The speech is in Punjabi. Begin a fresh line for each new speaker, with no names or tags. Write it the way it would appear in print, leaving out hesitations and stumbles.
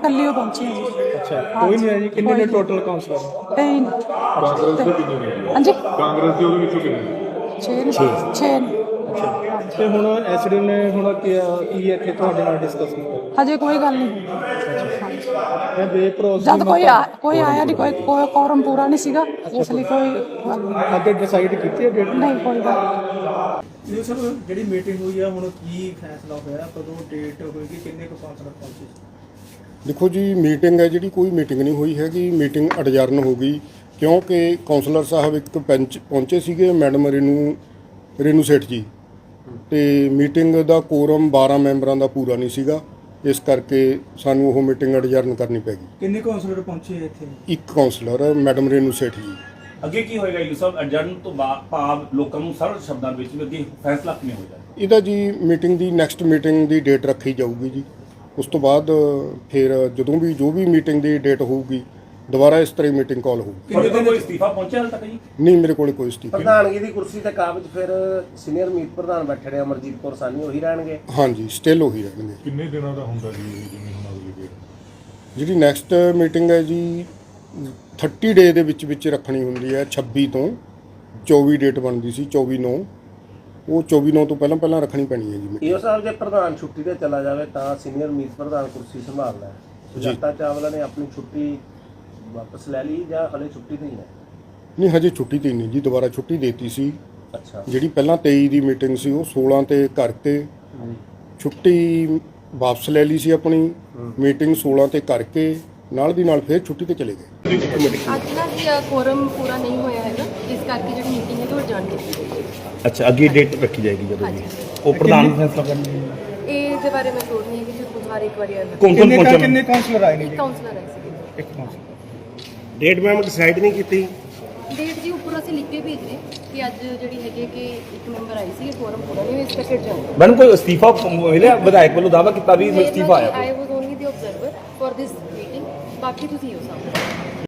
ਕੱਲੀ ਓ ਪਹੁੰਚੀ ਹਾਂ ਜੀ।
ਅੱਛਾ, ਕੋਈ ਨਹੀਂ ਹੈ ਜੀ। ਕਿੰਨੇ ਨੇ ਟੋਟਲ ਕਾਉਂਸਲਰ?
ਕਾਂਗਰਸ ਦੇ ਕਿੰਨੇ ਨੇ ਜੀ?
ਹਾਂਜੀ
ਕਾਂਗਰਸ ਦੇ ਉਹਦੇ ਵਿੱਚੋਂ ਕਿੰਨੇ ਨੇ?
6
ਤੇ ਹੁਣ ਐਸਡੀ ਨੇ ਹੁਣ ਕੀ ਇੱਥੇ ਤੁਹਾਡੇ ਨਾਲ ਡਿਸਕਸ ਕੀਤਾ?
ਹਜੇ ਕੋਈ ਗੱਲ ਨਹੀਂ।
ਇਹ ਬੇਭਰੋਸੇ
ਜਦ ਕੋਈ ਆਇਆ ਨਹੀਂ, ਕੋਈ ਕੋਰਮ ਪੂਰਾ ਨਹੀਂ ਸੀਗਾ, ਇਸ ਲਈ ਕੋਈ ਗੱਲ ਨਹੀਂ।
ਅੱਗੇ ਡਿਸਾਈਡ ਕੀਤੀ ਹੈ ਡੇਟ?
ਨਹੀਂ ਕੋਈ ਗੱਲ ਨਹੀਂ।
ਇਹ ਸਰ ਜਿਹੜੀ ਮੀਟਿੰਗ ਹੋਈ ਆ, ਹੁਣ ਕੀ ਫੈਸਲਾ ਹੋਇਆ, ਕਦੋਂ ਡੇਟ ਹੋਏਗੀ, ਕਿੰਨੇ ਕੁ ਕਾਉਂਸਲਰ ਪਹੁੰਚੇ?
ਦੇਖੋ ਜੀ, ਮੀਟਿੰਗ ਹੈ ਜਿਹੜੀ, ਕੋਈ ਮੀਟਿੰਗ ਨਹੀਂ ਹੋਈ ਹੈਗੀ। ਮੀਟਿੰਗ ਅਡਜਰਨ ਹੋ ਗਈ ਕਿਉਂਕਿ ਕਾਉਂਸਲਰ ਸਾਹਿਬ ਇੱਕ ਪੈਂਚ ਪਹੁੰਚੇ ਸੀਗੇ, ਮੈਡਮ ਰੇਨੂ ਸੇਠ ਜੀ, ਤੇ ਮੀਟਿੰਗ ਦਾ ਕੋਰਮ 12 ਮੈਂਬਰਾਂ ਦਾ ਪੂਰਾ ਨਹੀਂ ਸੀਗਾ, ਇਸ ਕਰਕੇ ਸਾਨੂੰ ਉਹ ਮੀਟਿੰਗ ਅਡਜਰਨ ਕਰਨੀ ਪੈ ਗਈ।
ਕਿੰਨੇ ਕਾਉਂਸਲਰ ਪਹੁੰਚੇ ਇੱਥੇ?
ਇੱਕ ਕਾਉਂਸਲਰ ਮੈਡਮ ਰੇਨੂ ਸੇਠ ਜੀ।
ਅੱਗੇ ਕੀ ਹੋਏਗਾ ਜੀ ਸਾਹਿਬ? ਅਡਜਰਨ ਤੋਂ ਭਾਵ ਲੋਕਾਂ ਨੂੰ ਸਰਲ ਸ਼ਬਦਾਂ ਵਿੱਚ ਵੀ ਅੱਗੇ ਫੈਸਲਾ ਕਿਵੇਂ ਹੋ ਜਾਏਗਾ?
ਇਹਦਾ ਜੀ ਮੀਟਿੰਗ ਦੀ ਨੈਕਸਟ ਮੀਟਿੰਗ ਦੀ ਡੇਟ ਰੱਖੀ ਜਾਊਗੀ ਜੀ। ਉਸ ਤੋਂ ਬਾਅਦ ਫਿਰ ਜਦੋਂ ਵੀ ਜੋ ਵੀ ਮੀਟਿੰਗ ਦੀ ਡੇਟ ਹੋਊਗੀ, ਦੁਬਾਰਾ ਇਸ ਤਰ੍ਹਾਂ ਮੀਟਿੰਗ ਕਾਲ ਹੋਊਗੀ।
ਤੁਹਾਡੇ ਕੋਲ ਕੋਈ ਅਸਤੀਫਾ ਪਹੁੰਚਿਆ ਹਾਲ ਤੱਕ ਜੀ?
ਨਹੀਂ, ਮੇਰੇ ਕੋਲ ਕੋਈ ਅਸਤੀਫਾ ਨਹੀਂ।
ਪ੍ਰਧਾਨਗੀ ਦੀ ਕੁਰਸੀ ਤੇ ਕਾਬਜ ਫਿਰ ਸੀਨੀਅਰ ਮੀਤ ਪ੍ਰਧਾਨ ਬੈਠੇ ਨੇ ਅਮਰਜੀਤ ਕੌਰ ਸਾਨੀ, ਉਹੀ ਰਹਿਣਗੇ?
ਹਾਂਜੀ, ਸਟਿਲ ਉਹੀ ਰਹਿਣਗੇ।
ਕਿੰਨੇ ਦਿਨਾਂ ਦਾ ਹੁੰਦਾ ਜੀ ਇਹ, ਜਿਵੇਂ ਹੁਣ ਅਗਲੀ ਡੇਟ?
ਜਿਹੜੀ ਨੈਕਸਟ ਮੀਟਿੰਗ ਹੈ ਜੀ 30 ਡੇ ਦੇ ਵਿੱਚ ਰੱਖਣੀ ਹੁੰਦੀ ਹੈ। 26 ਤੋਂ 24 ਡੇਟ ਬਣਦੀ ਸੀ, 24/9, ਉਹ 24/9 ਤੋਂ ਪਹਿਲਾਂ ਰੱਖਣੀ ਪੈਣੀ ਹੈ ਜੀ।
ਈਓ ਸਾਹਿਬ, ਜੇ ਪ੍ਰਧਾਨ ਛੁੱਟੀ ਤੇ ਚਲਾ ਜਾਵੇ ਤਾਂ ਸੀਨੀਅਰ ਮੀਤ ਪ੍ਰਧਾਨ ਕੁਰਸੀ ਸੰਭਾਲਣਾ ਹੈ। ਸੁਜਾਤਾ ਚਾਵਲਾ ਨੇ ਆਪਣੀ ਛੁੱਟੀ ਵਾਪਸ ਲੈ ਲਈ ਜਾਂ ਹਲੇ ਛੁੱਟੀ ਤੇ ਹੀ ਹੈ?
ਨਹੀਂ, ਹਜੇ ਛੁੱਟੀ ਤੇ ਨਹੀਂ ਜੀ, ਦੁਬਾਰਾ ਛੁੱਟੀ ਦੇਤੀ ਸੀ।
ਅੱਛਾ,
ਜਿਹੜੀ ਪਹਿਲਾਂ 23 ਦੀ ਮੀਟਿੰਗ ਸੀ ਉਹ 16 ਤੇ ਕਰਕੇ ਛੁੱਟੀ ਵਾਪਸ ਲੈ ਲਈ ਸੀ ਆਪਣੀ। ਮੀਟਿੰਗ 16 ਤੇ ਕਰਕੇ ਨਾਲ ਦੀ ਨਾਲ ਫਿਰ ਛੁੱਟੀ ਤੇ ਚਲੇ ਗਏ।
ਅੱਜ ਨਾ ਜੀ ਕੋਰਮ ਪੂਰਾ ਨਹੀਂ ਹੋਇਆ ਹੈਗਾ, ਇਸ ਕਰਕੇ ਜਿਹੜੀ ਮੀਟਿੰਗ ਹੈ ਉਹ ਅਡਜਰਨ ਕੀਤੀ ਗਈ।
ਅੱਛਾ, ਅੱਗੇ ਡੇਟ ਰੱਖੀ ਜਾਏਗੀ ਜਦੋਂ ਜੀ ਉਹ ਪ੍ਰਧਾਨ ਫੈਸਲਾ ਕਰਨਗੇ।
ਇਹ ਦੇ ਬਾਰੇ ਮੈਂ ਸੋਚ ਨਹੀਂ ਹੈ ਕਿ ਤੁਸੀਂ ਬੁਧਵਾਰ ਇੱਕ ਵਾਰੀ ਆਇਆ।
ਕੌਣ ਪਹੁੰਚਿਆ?
ਕਿੰਨੇ ਕਾਉਂਸਲਰ ਆਏ ਨੇ ਜੀ?
ਕਾਉਂਸਲਰ ਆਏ ਸੀਗੇ।
ਇੱਕ ਕਾਉਂਸਲਰ।
ਡੇਟ ਮੈਮ ਡਿਸਾਈਡ ਨਹੀਂ ਕੀਤੀ?
ਡੇਟ ਜੀ ਉੱਪਰ ਅਸੀਂ ਲਿਖ ਕੇ ਭੇਜ ਰਹੇ ਕਿ ਅੱਜ ਜਿਹੜੀ ਹੈਗੀ ਕਿ ਇੱਕ ਮੈਂਬਰ ਆਈ ਸੀ, ਕੋਰਮ ਪੂਰਾ ਨਹੀਂ ਹੋਇਆ, ਇਸ ਕਰਕੇ ਅਡਜਰਨ।
ਮੈਡਮ ਕੋਈ ਅਸਤੀਫਾ ਮਿਲਿਆ? ਵਿਧਾਇਕ ਵੱਲੋਂ ਦਾਅਵਾ ਕੀਤਾ ਵੀ ਅਸਤੀਫਾ ਆਇਆ।
I was only the observer for this meeting, ਬਾਕੀ ਤੁਸੀਂ ਹੋ ਸਕਦੇ।